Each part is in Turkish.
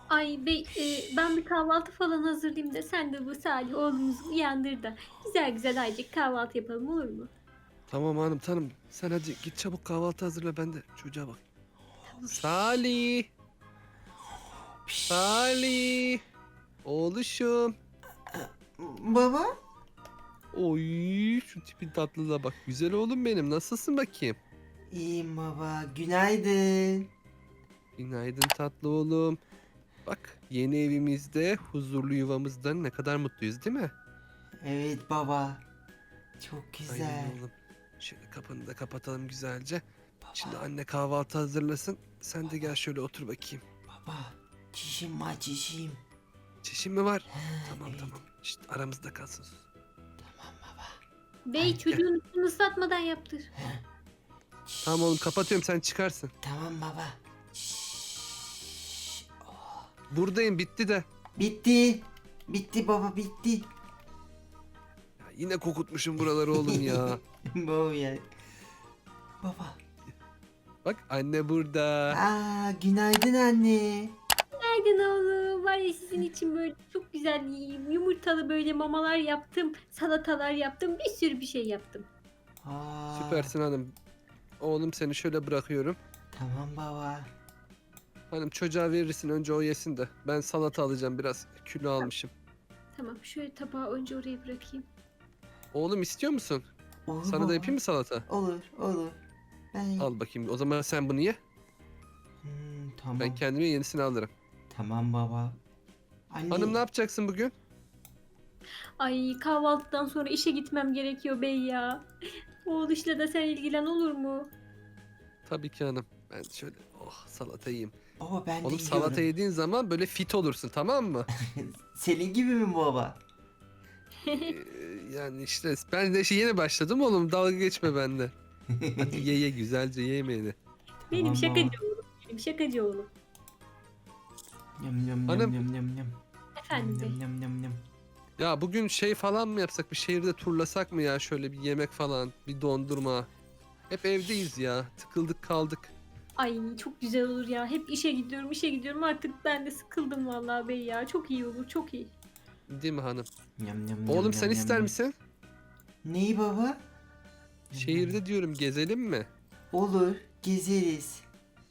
Ay bey, ben bir kahvaltı falan hazırlayayım da sen de bu Salih oğlumuzu uyandır da güzel güzel azıcık kahvaltı yapalım olur mu? Tamam hanım tanım. Sen hadi git çabuk kahvaltı hazırla, ben de çocuğa bak. Tamam. Salih. Salih. Oğluşum. Baba? Oy şu tipin tatlılığa bak. Güzel oğlum benim. Nasılsın bakayım? İyiyim baba. Günaydın. Günaydın tatlı oğlum. Bak yeni evimizde, huzurlu yuvamızda ne kadar mutluyuz değil mi? Evet baba. Çok güzel. Aynen oğlum. Şöyle kapını da kapatalım güzelce. Şimdi Baba, anne kahvaltı hazırlasın. Sen de gel şöyle otur bakayım. baba. Çişim var çişim. Çişin mi var? Ha, Tamam evet. tamam. İşte aramızda kalsın. Tamam baba. Bey Gel. çocuğun üstünü ıslatmadan yaptır. Tamam oğlum kapatıyorum, sen çıkarsın. Tamam baba. Şşş. Buradayım, bitti de. Bitti. Bitti baba bitti. Ya yine kokutmuşum buraları oğlum ya. Baba ya. Baba. Bak anne burada. Aa, günaydın anne. Günaydın oğlum. Var ya sizin için böyle çok güzel yumurtalı böyle mamalar yaptım. Salatalar yaptım. Bir sürü bir şey yaptım. Aa, Süpersin hanım. Oğlum seni şöyle bırakıyorum. tamam baba. Hanım çocuğa verirsin, önce o yesin de. Ben salata alacağım, biraz kilo almışım. Tamam şöyle tabağı önce oraya bırakayım. Oğlum istiyor musun? Olur Sana baba. da yapayım mı salata? Olur olur. Ben... Al bakayım. O zaman sen bunu ye. Tamam. Ben kendime yenisini alırım. Tamam baba. Anne. Hanım ne yapacaksın bugün? Ay kahvaltıdan sonra işe gitmem gerekiyor bey ya. Oğluşla da sen ilgilen olur mu? Tabii ki hanım. Ben şöyle salata yiyeyim. Baba ben de Oğlum yiyorum. salata yediğin zaman böyle fit olursun, tamam mı? Senin gibi mi baba? Yani işte ben de yeni başladım oğlum, dalga geçme bende. Hadi ye güzelce ye yemeğini. Benim Tamam şakacı baba. oğlum. Benim şakacı oğlum. Yum yum Hanım. yum yum yum yum. Efendim bey. Yum yum yum yum. Ya bugün şey falan mı yapsak, bir şehirde turlasak mı ya, şöyle bir yemek falan, bir dondurma. Hep evdeyiz ya, tıkıldık kaldık. Ay çok güzel olur ya. Hep işe gidiyorum, işe gidiyorum. Artık ben de sıkıldım vallahi bey ya. Çok iyi olur, çok iyi. Değil mi hanım? Yum yum Oğlum yum sen yum ister yum. misin? Neyi baba? Şehirde diyorum, gezelim mi? Olur. Gezeriz.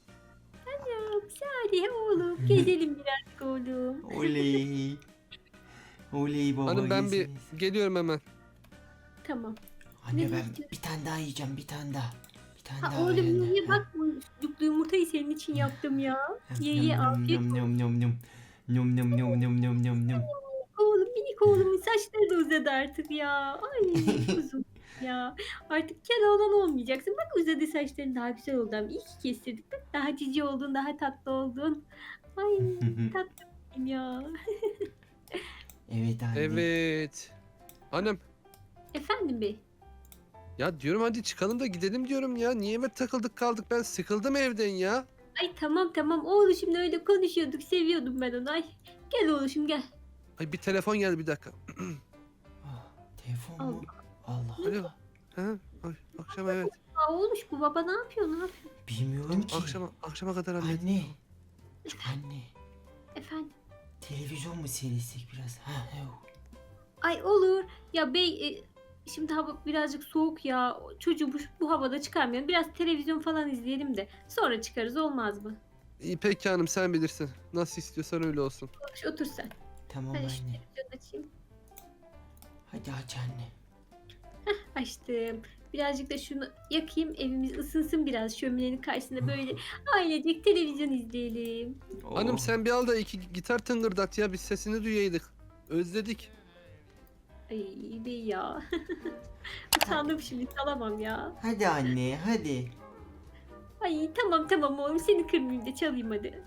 Hadi oğlum, gezelim birazcık oğlum. Oley. Oley baba Hanım ben bir gezeriz. geliyorum hemen. Tamam. Anne Ne ben diyeceğim? bir tane daha yiyeceğim bir tane daha. Bir tane Ha daha oğlum yani. ye bak bu sucuklu yumurtayı senin için yaptım ya. Ye Yum ye yum afiyet yum olsun. yum yum yum. Yum yum yum yum yum yum yum. Oğlum minik oğlumun saçları da uzadı artık ya. Ay kuzum ya. Artık kel oğlan olmayacaksın. Bak uzadı saçların daha güzel oldu ama iyi ki kestirdik. Bak daha cici oldun, daha tatlı oldun. Ay tatlım ya. Evet anne. Evet. Hanım Efendim bey. ya diyorum, hadi çıkalım da gidelim diyorum ya. Niye eve takıldık kaldık, ben sıkıldım evden ya. Ay tamam tamam oğluşumla öyle konuşuyorduk. Seviyordum ben onu. Ay gel oğluşum gel. Ay bir telefon geldi, bir dakika. Ah, telefon Allah. mu? Allah Alo. Allah. Ha? Ay, akşam evet. Aa, oğluş bu baba ne yapıyor ne yapıyor? Bilmiyorum ki. Akşama kadar halledin. Anne. Anne. Efendim. Televizyon mu seyredecek biraz? Ha, yok. Ay olur. Ya bey şimdi hava birazcık soğuk ya. Çocuğu bu havada çıkarmayalım. Biraz televizyon falan izleyelim de sonra çıkarız olmaz mı? İyi peki hanım, sen bilirsin. Nasıl istiyorsan öyle olsun. Otur, otur sen. Tamam Hadi şu anne. televizyonu açayım. Hadi aç anne. Açtım. Birazcık da şunu yakayım. Evimiz ısınsın biraz şöminenin karşısında böyle ailecek televizyon izleyelim. Hanım Oh. sen bir al da iki gitar tıngırdat ya, biz sesini duyaydık. Özledik. Ay bey ya. Utandım şimdi salamam ya. Hadi anne hadi. Ay tamam tamam oğlum seni kırmayayım da çalayım hadi.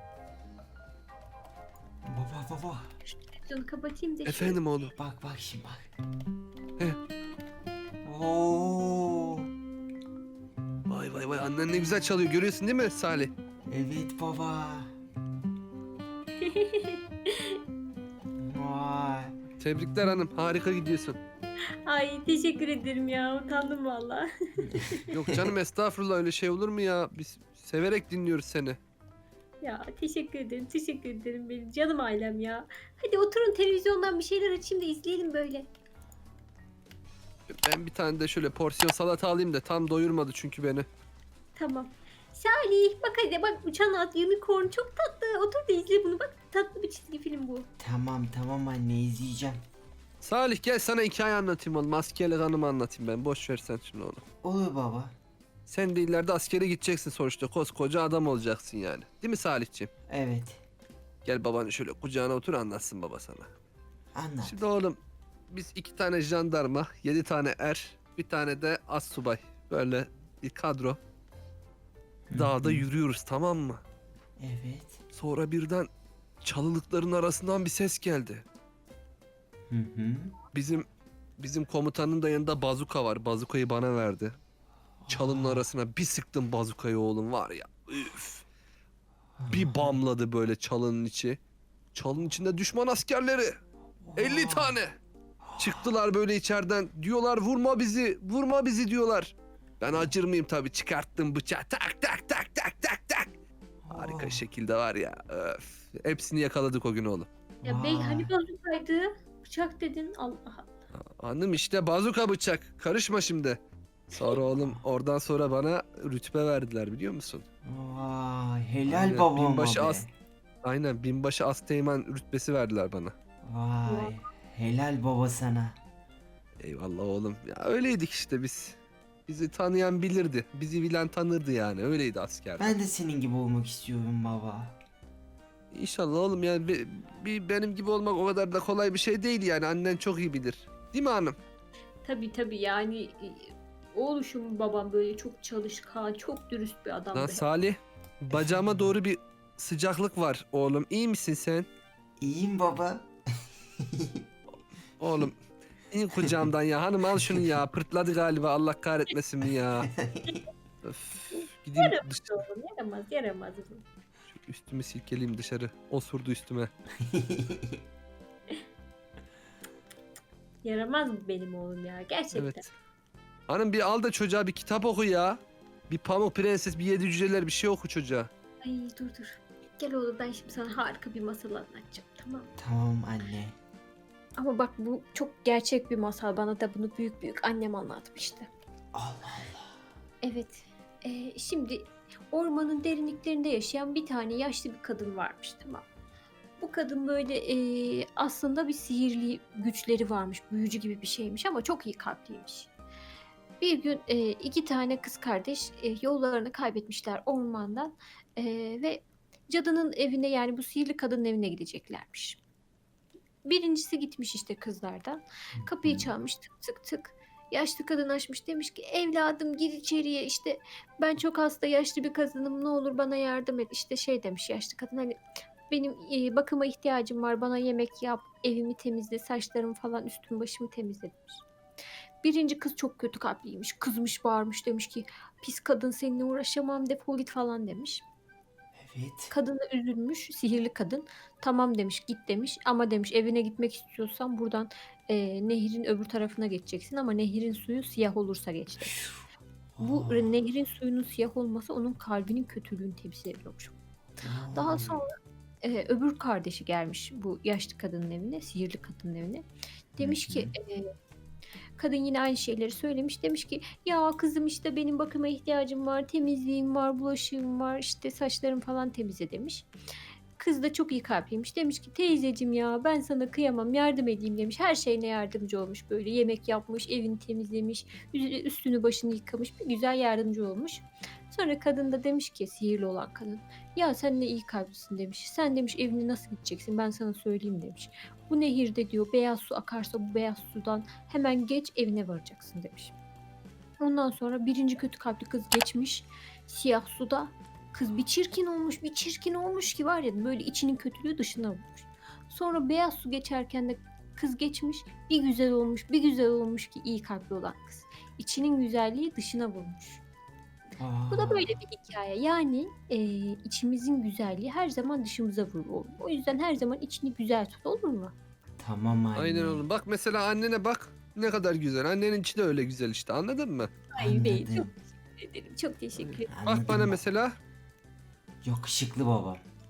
Baba. Televizyonu kapatayım da şöyle. Efendim oğlum. Bak bak şimdi bak. He. Oo. Vay annen ne güzel çalıyor, görüyorsun değil mi Salih? Evet baba. Vay. Tebrikler hanım, harika gidiyorsun. Ay teşekkür ederim ya utandım valla. Yok canım estağfurullah, öyle şey olur mu ya? Biz severek dinliyoruz seni. Ya teşekkür ederim, teşekkür ederim benim canım ailem ya. Hadi oturun televizyondan bir şeyler açayım da izleyelim böyle. Ben bir tane de şöyle porsiyon salata alayım da tam doyurmadı çünkü beni. Tamam. Salih bak hadi bak uçan at unicorn çok tatlı. Otur da izle bunu bak tatlı bir çizgi film bu. Tamam tamam anne izleyeceğim. Salih gel sana hikaye anlatayım oğlum. Askerlik anımı anlatayım ben. Boş ver sen şimdi onu. Olur baba. Sen de ileride askere gideceksin sonuçta. Koskoca adam olacaksın yani. Değil mi Salihciğim? Evet. Gel babanı şöyle kucağına otur anlatsın baba sana. Anlat. Şimdi oğlum biz 2 tane jandarma, 7 tane bir tane de astsubay. Böyle bir kadro. Dağda yürüyoruz tamam mı? Evet. Sonra birden çalılıkların arasından bir ses geldi. Hı hı. Bizim komutanın da yanında bazuka var. Bazukayı bana verdi. Çalının arasına bir sıktım bazukayı oğlum var ya. Üf. Bir bamladı böyle çalının içi. Çalının içinde düşman askerleri. 50 tane. Çıktılar böyle içeriden. Diyorlar vurma bizi, vurma bizi diyorlar. Ben acır mıyım tabii çıkarttım bıçağı. Tak tak tak tak tak tak. Harika şekilde var ya. Öf. Hepsini yakaladık o gün oğlum. Ya bey hani bazukaydı? Bıçak dedin Allah Allah. Hanım işte bazuka bıçak. Karışma şimdi. Sonra oğlum oradan sonra bana rütbe verdiler biliyor musun? Vay helal Aynen, babama binbaşı be. Aynen binbaşı asteğmen rütbesi verdiler bana. Vay helal baba sana. Eyvallah oğlum. Ya öyleydik işte biz. Bizi tanıyan bilirdi. Bizi bilen tanırdı yani. Öyleydi asker. Ben de senin gibi olmak istiyorum baba. İnşallah oğlum yani benim gibi olmak o kadar da kolay bir şey değil yani. Annen çok iyi bilir. Değil mi hanım? Tabii yani oğluşum babam böyle çok çalışkan, çok dürüst bir adamdı. Lan Salih. Bacağıma doğru bir sıcaklık var oğlum. İyi misin sen? İyiyim baba. Oğlum in kucağımdan ya. Hanım al şunu ya. Pırtladı galiba. Allah kahretmesin mi ya? Öf. Gideyim Yaramaz oğlum, yaramaz. üstümü silkeleyeyim dışarı. Osurdu üstüme. Yaramaz mı benim oğlum ya gerçekten. Evet. Hanım bir al da çocuğa bir kitap oku ya. Bir Pamuk Prenses, bir Yedi Cüceler bir şey oku çocuğa. Ay dur. Gel oğlum ben şimdi sana harika bir masal anlatacağım tamam mı? Tamam anne. Ama bak bu çok gerçek bir masal. Bana da bunu büyük annem anlatmıştı. Allah Allah. Evet. Şimdi ormanın derinliklerinde yaşayan bir tane yaşlı bir kadın varmış tamam mı? Bu kadın böyle aslında bir sihirli güçleri varmış. Büyücü gibi bir şeymiş ama çok iyi kalpliymiş. Bir gün 2 tane kız kardeş yollarını kaybetmişler ormandan ve cadının evine yani bu sihirli kadının evine gideceklermiş. Birincisi gitmiş işte kızlardan. Kapıyı çalmış tık tık tık. Yaşlı kadın açmış demiş ki evladım gir içeriye işte ben çok hasta yaşlı bir kadınım ne olur bana yardım et. İşte şey demiş yaşlı kadın hani benim bakıma ihtiyacım var bana yemek yap evimi temizle saçlarımı falan üstümü başımı temizle demiş. Birinci kız çok kötü kalpliymiş kızmış bağırmış demiş ki pis kadın seninle uğraşamam defol git falan demiş. Evet. Kadın da üzülmüş, sihirli kadın. Tamam demiş, git demiş. Ama demiş evine gitmek istiyorsan buradan nehrin öbür tarafına geçeceksin. Ama nehrin suyu siyah olursa geç demiş. Bu nehrin suyunun siyah olması onun kalbinin kötülüğünü temsil ediyormuş. Daha sonra öbür kardeşi gelmiş bu yaşlı kadının evine, sihirli kadının evine. Demiş ki kadın yine aynı şeyleri söylemiş. Demiş ki ya kızım işte benim bakıma ihtiyacım var. Temizliğim var, bulaşığım var. İşte saçlarım falan temizle demiş. Kız da çok iyi kalpliymiş. Demiş ki teyzeciğim ya ben sana kıyamam yardım edeyim demiş. Her şeyine yardımcı olmuş böyle. Yemek yapmış, evini temizlemiş, üstünü başını yıkamış. Bir güzel yardımcı olmuş. Sonra kadın da demiş ki sihirli olan kadın. Ya sen ne iyi kalplisin demiş. Sen demiş evine nasıl gideceksin ben sana söyleyeyim demiş. Bu nehirde diyor beyaz su akarsa bu beyaz sudan hemen geç evine varacaksın demiş. Ondan sonra birinci kötü kalpli kız geçmiş siyah suda. Kız bir çirkin olmuş ki var ya böyle içinin kötülüğü dışına vurmuş. Sonra beyaz su geçerken de kız geçmiş bir güzel olmuş ki iyi kalpli olan kız. İçinin güzelliği dışına vurmuş. Bu da böyle bir hikaye. Yani içimizin güzelliği her zaman dışımıza vurur oğlum. O yüzden her zaman içini güzel tut olur mu? Tamam anne. Aynen oğlum. Bak mesela annene bak. Ne kadar güzel. Annenin içi de öyle güzel işte. Anladın mı? Ay bey Anladım. çok teşekkür ederim. Çok teşekkür ederim. Bak bana mesela. Yakışıklı babam.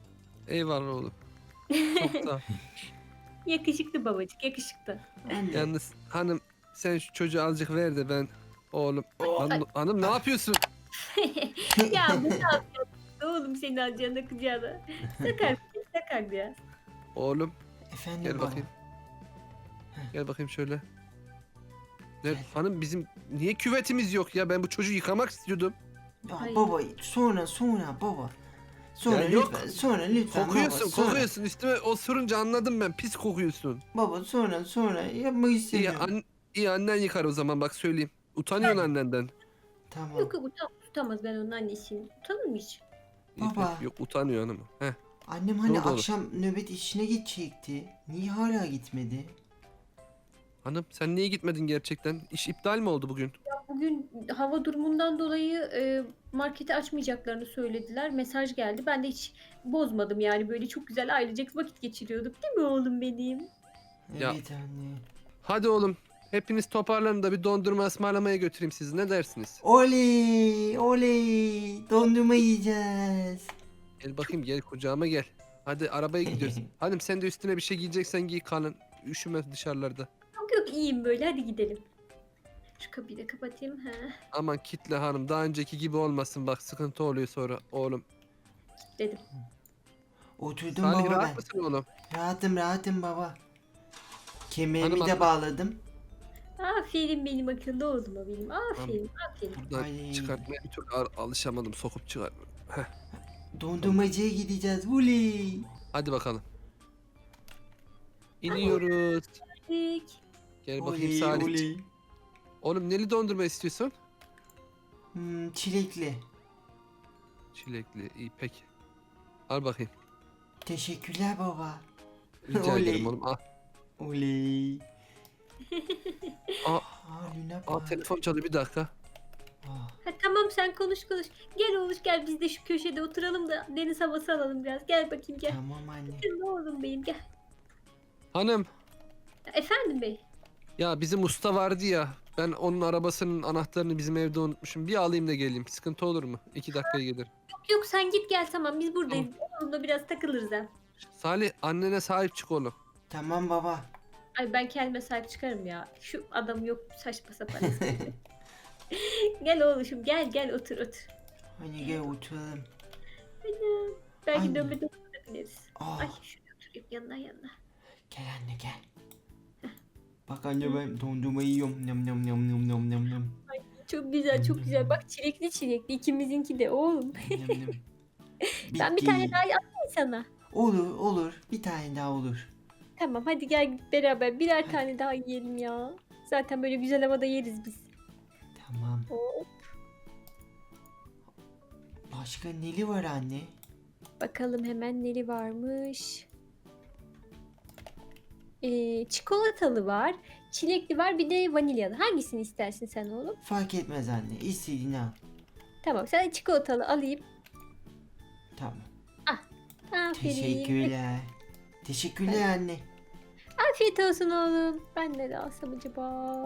Eyvallah oğlum. Çok sağ ol. Yakışıklı babacık, yakışıklı. Anne. Yalnız hanım sen şu çocuğu azıcık ver de ben oğlum. Oh. Hanım ne yapıyorsun? Ya bu ne yapıyorsun oğlum senin alacağına kucağına. Sakar biraz. Oğlum Efendim gel baba. bakayım. Gel bakayım şöyle. Gel. Hanım bizim niye küvetimiz yok ya? Ben bu çocuğu yıkamak istiyordum. Ya Ay. baba sonra baba. Sonra Ya yok. lütfen, sonra lütfen Kokuyorsun, baba, sonra. kokuyorsun. Üstüme osurunca anladım ben. Pis kokuyorsun. Baba sonra yapmak İyi, istemiyorum. iyi annen yıkar o zaman bak söyleyeyim. Utanıyorsun annenden. Tamam. Yok tutamaz ben onun annesiyim. Utanır mı hiç? İyi, Baba. yok utanıyor hanım. Heh. Annem Ne hani oldu oğlum? akşam nöbet işine gidecekti. Niye hala gitmedi? Hanım sen niye gitmedin gerçekten? İş iptal mi oldu bugün? Bugün hava durumundan dolayı marketi açmayacaklarını söylediler. Mesaj geldi. Ben de hiç bozmadım yani. Böyle çok güzel ailecek vakit geçiriyorduk. Değil mi oğlum benim? Ya. Evet anne. Hadi oğlum. Hepiniz toparlanın da bir dondurma ısmarlamaya götüreyim sizi. Ne dersiniz? Oley oley dondurma yiyeceğiz. Gel bakayım gel kucağıma gel. Hadi arabaya gidiyoruz. Hanım sen de üstüne bir şey giyeceksen giy kalın. Üşüme dışarılarda. Yok iyiyim böyle. Hadi gidelim. Şu kapıyı da kapatayım. Ha, Aman kitle hanım. Daha önceki gibi olmasın bak sıkıntı oluyor sonra oğlum. dedim. Oturdum Salih baba rahat ben. mısın oğlum? Rahatım baba. Kemerimi Hanım, de hanım. bağladım. Aferin benim akıllı oğluma benim. Aferin. Buradan Ay. çıkartmaya bir türlü alışamadım. Sokup çıkar. Heh. Dondurmacıya gideceğiz. Oley. Hadi bakalım. İniyoruz. Peki. Gel bakayım Oley Salih. oley. Oğlum neli dondurma istiyorsun? Çilekli. Çilekli. İyi peki. Al bakayım. Teşekkürler baba. Rica Oley. ederim oğlum. Al. Oley. Aa, Lüne aa bak. telefon çalıyor bir dakika. Ah, Ha, tamam sen konuş. Gel oğluş gel biz de şu köşede oturalım da deniz havası alalım biraz. Gel bakayım gel. Tamam anne. Ne oğlum benim gel. Hanım Efendim bey. ya bizim usta vardı ya. Ben onun arabasının anahtarını bizim evde unutmuşum. Bir alayım da geleyim. Sıkıntı olur mu? 2 dakikaya gelir. Yok sen git gel tamam biz buradayız. Oğlumla biraz takılırız ha. Salih annene sahip çık oğlum. Tamam baba. Ay ben kendime sahip çıkarım ya. Şu adam yok saçma sapan. Gel oğluşum gel otur. Hani gel oturalım. Belki Anne. dönme bineriz. Ah, Ay şuraya oturayım yanına. gel anne gel. Bak anne ben dondurma yiyorum. Nam nam nam nam nam nam nam. Çok güzel. Bak çilekli ikimizinki de oğlum. Nam nam. Ben bir Bitti. tane daha yapayım sana. Olur. Bir tane daha olur. Tamam hadi gel beraber birer Hadi. tane daha yiyelim ya. Zaten böyle güzel havada yeriz biz. Tamam. Oo, Başka neli var anne? bakalım hemen neli varmış. Çikolatalı var, çilekli var, bir de vanilyalı. Hangisini istersin sen oğlum? Fark etmez anne. İstediğini al. Tamam, sana çikolatalı alayım. Tamam. Aferin. Teşekkürler. Teşekkürler anne. Afiyet olsun oğlum. Ben ne alsam acaba?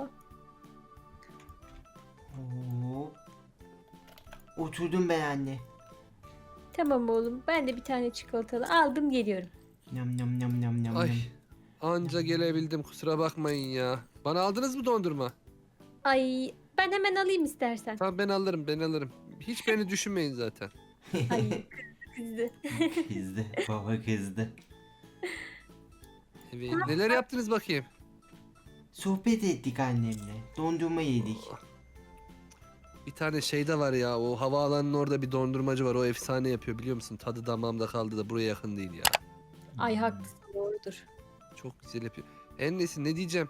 Hop. Oturdum ben anne. Tamam oğlum. Ben de bir tane çikolatalı aldım geliyorum. Nam nam nam nam nam Ay nam. anca gelebildim kusura bakmayın ya. Bana aldınız mı dondurma? Ay ben hemen alayım istersen. Tamam ben alırım. Hiç beni düşünmeyin zaten. Ay kızdı. Kızdı. Baba kızdı. Evet, neler yaptınız bakayım? Sohbet ettik annemle. Dondurma yedik. Bir tane şey de var ya o havaalanının orada bir dondurmacı var o efsane yapıyor biliyor musun? Tadı damağımda kaldı da buraya yakın değil ya. Ay haklısın doğrudur. Çok güzel yapıyor. En neyse ne diyeceğim?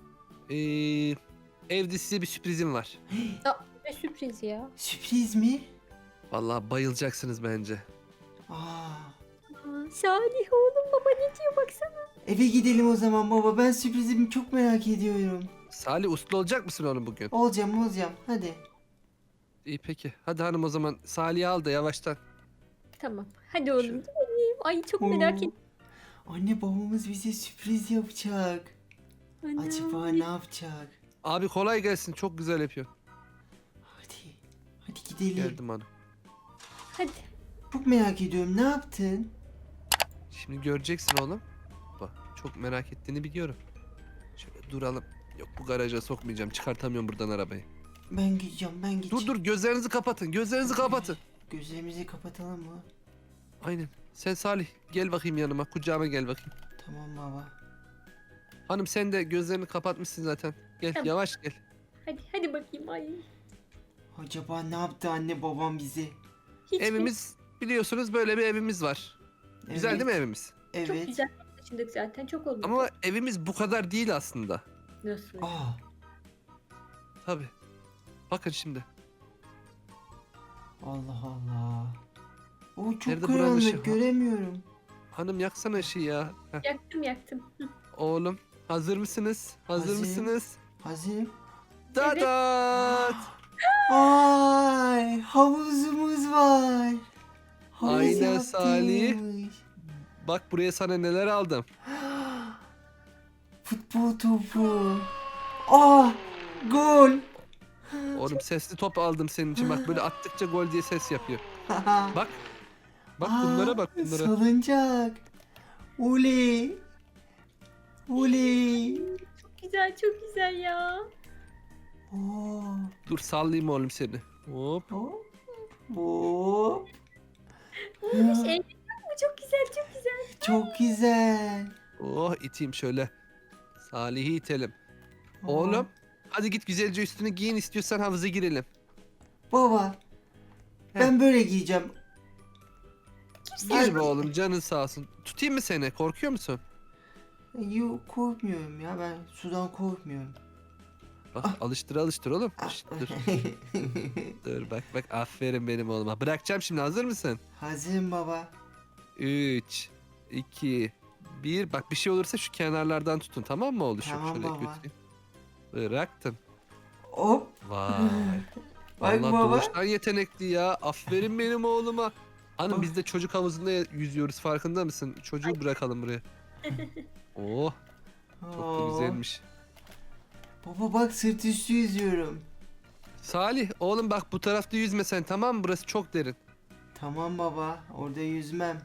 Evde size bir sürprizim var. Ne sürpriz ya. Sürpriz mi? Vallahi bayılacaksınız bence. Aa. Aa, Salih oğlum baba ne diyor baksana. Eve gidelim o zaman baba. Ben sürprizimi çok merak ediyorum. Salih uslu olacak mısın oğlum bugün? Olacağım. Hadi. İyi peki. Hadi hanım o zaman Salih'i al da yavaştan. Tamam hadi oğlum Şöyle. gidelim. Ay çok merak Oo. ettim. Anne babamız bize sürpriz yapacak. Ana. Acaba ne yapacak? Abi kolay gelsin çok güzel yapıyor. Hadi gidelim. Geldim hanım. Hadi. Çok merak ediyorum. Ne yaptın? Şimdi göreceksin oğlum. Bak çok merak ettiğini biliyorum. Şöyle duralım. Yok bu garaja sokmayacağım. Çıkartamıyorum buradan arabayı. Ben gideceğim, ben gideceğim. Dur gözlerinizi kapatın. Gözlerinizi kapatın. Gözlerimizi kapatalım mı? Aynen. Sen Salih gel bakayım yanıma. Kucağıma gel bakayım. Tamam baba. Hanım sen de gözlerini kapatmışsın zaten. Gel Tamam. yavaş gel. Hadi bakayım. Ay. Acaba ne yaptı anne babam bize? Hiç mi? Evimiz biliyorsunuz böyle bir evimiz var. Güzel Evet, değil mi evimiz? Evet. Çok güzel taşındık zaten. Çok oldu. Ama evimiz bu kadar değil aslında. Nasıl? Aa, Tabii. Bakın şimdi. Allah Allah. O çok Nerede buranın ışığı? karanlık, göremiyorum. Hanım yaksana ışığı ya. Heh. Yaktım. Hı. Oğlum hazır mısınız? Hazır Hazırım. mısınız? Hazırım. Dadat! Ay, havuzumuz var. Havuz Aynen Salih. yaptırmış. Bak buraya sana neler aldım. Futbol topu. Aa, gol. Oğlum sesli top aldım senin için. Bak böyle attıkça gol diye ses yapıyor. Bak. Bak bunlara bak bunlara. Salıncak. Oley. Oley. Çok güzel ya. Oo. Dur sallayayım oğlum seni. Hop. Hop. Hop. Şey, bu çok güzel. Çok güzel. Oh iteyim şöyle. Salih'i itelim. Oo. Oğlum hadi git güzelce üstünü giyin istiyorsan havuza girelim. Baba. Ben böyle giyeceğim. Gir be oğlum canın sağ olsun. Tutayım mı seni? Korkuyor musun? Yok, korkmuyorum ya, ben sudan korkmuyorum. Bak alıştır oğlum. Şşt, dur. Dur bak aferin benim oğluma. Bırakacağım şimdi hazır mısın? Hazırım baba. 3, 2, 1. Bak bir şey olursa şu kenarlardan tutun tamam mı oğlum? Tamam Şöyle baba. götüreyim. Bıraktım. Hop. Vay. Bak Vallahi baba. doğuştan yetenekli ya. Aferin benim oğluma. Hanım Bak. biz de çocuk havuzunda yüzüyoruz farkında mısın? Çocuğu bırakalım buraya. Oh çok da Oo. güzelmiş. Baba bak, sırt üstü yüzüyorum. Salih oğlum bak bu tarafta yüzme sen tamam mı? Burası çok derin. Tamam baba, orada yüzmem.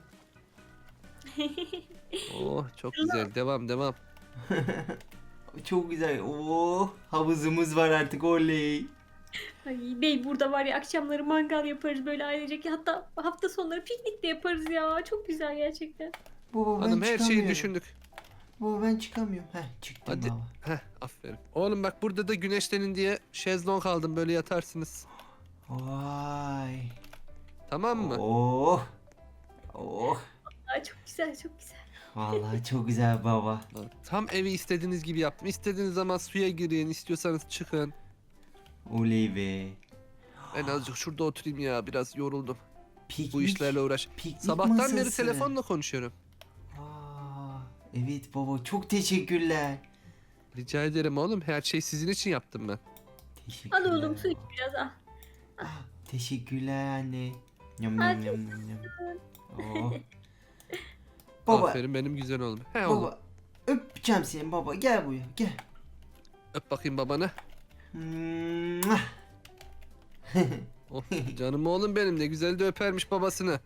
Oh çok güzel devam. Çok güzel. Oo, havuzumuz var artık, oley. Ay bey burada var ya akşamları mangal yaparız böyle ailecek. Hatta hafta sonları piknik de yaparız ya. Çok güzel gerçekten. Baba ben Hanım her şeyi çıkamıyorum. düşündük. Baba ben çıkamıyorum. Heh, çıktım Hadi. baba. Heh aferin. Oğlum bak burada da güneşlenin diye şezlong aldım böyle yatarsınız. Vay. Tamam mı? Oh. Oh. Aa, çok güzel. Vallahi çok güzel baba. Tam evi istediğiniz gibi yaptım. İstediğiniz zaman suya girin, istiyorsanız çıkın. Oley be. Ben azıcık şurada oturayım ya biraz yoruldum. Piknik. Bu işlerle uğraş. Piknik Sabahtan beri masası. telefonla konuşuyorum. Aa, evet baba, çok teşekkürler. Rica ederim oğlum. Her şeyi sizin için yaptım ben. Teşekkürler. Al oğlum su iç biraz al. Ah, teşekkürler anne. Yum Afiyet yum yum yum. Oh. Baba, Aferin benim güzel oğlum. He oğlum. baba. Öpeceğim seni baba. Gel buraya, gel. Öp bakayım babanı. Mwah. Oh, canım oğlum benim ne güzel de öpermiş babasını.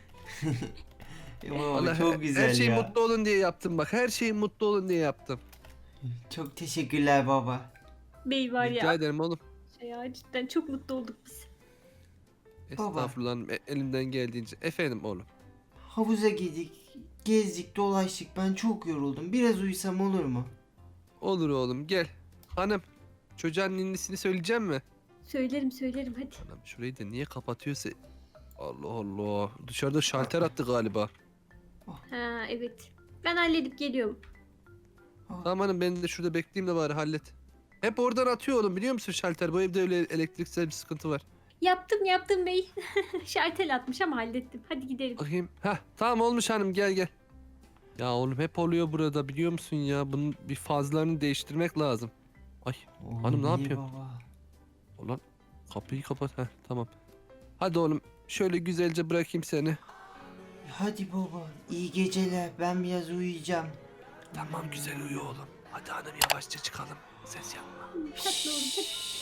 Baba Vallahi çok güzel her şey ya. mutlu olun diye yaptım bak. Her şeyi mutlu olun diye yaptım. Çok teşekkürler baba. Bey var Rica ya. ederim oğlum. Ya cidden çok mutlu olduk biz. Baba. Estağfurullah hanım, elimden geldiğince. Efendim oğlum. Havuza girdik, gezdik, dolaştık. Ben çok yoruldum. Biraz uyusam olur mu? Olur oğlum gel. Hanım çocuğun ninnisini söyleyeceğim mi? Söylerim hadi. Anam şurayı da niye kapatıyorsa. Allah Allah. Dışarıda şalter attı galiba. Ha evet. Ben halledip geliyorum. Tamam hanım ben de şurada bekleyeyim de bari hallet. Hep oradan atıyor oğlum biliyor musun şalter? Bu evde öyle elektriksel bir sıkıntı var. Yaptım bey. Şartel atmış ama hallettim. Hadi gidelim. Bakayım. Heh tamam olmuş hanım gel. Ya oğlum hep oluyor burada biliyor musun ya? Bunun bir fazlarını değiştirmek lazım. Ay Hanım, ne Oley yapıyor? Baba. ulan kapıyı kapat. Heh tamam. Hadi oğlum şöyle güzelce bırakayım seni. Hadi baba, iyi geceler. Ben biraz uyuyacağım. Tamam güzel uyu oğlum. Hadi hanım yavaşça çıkalım. Ses yapma. Tatlı oğlum hadi.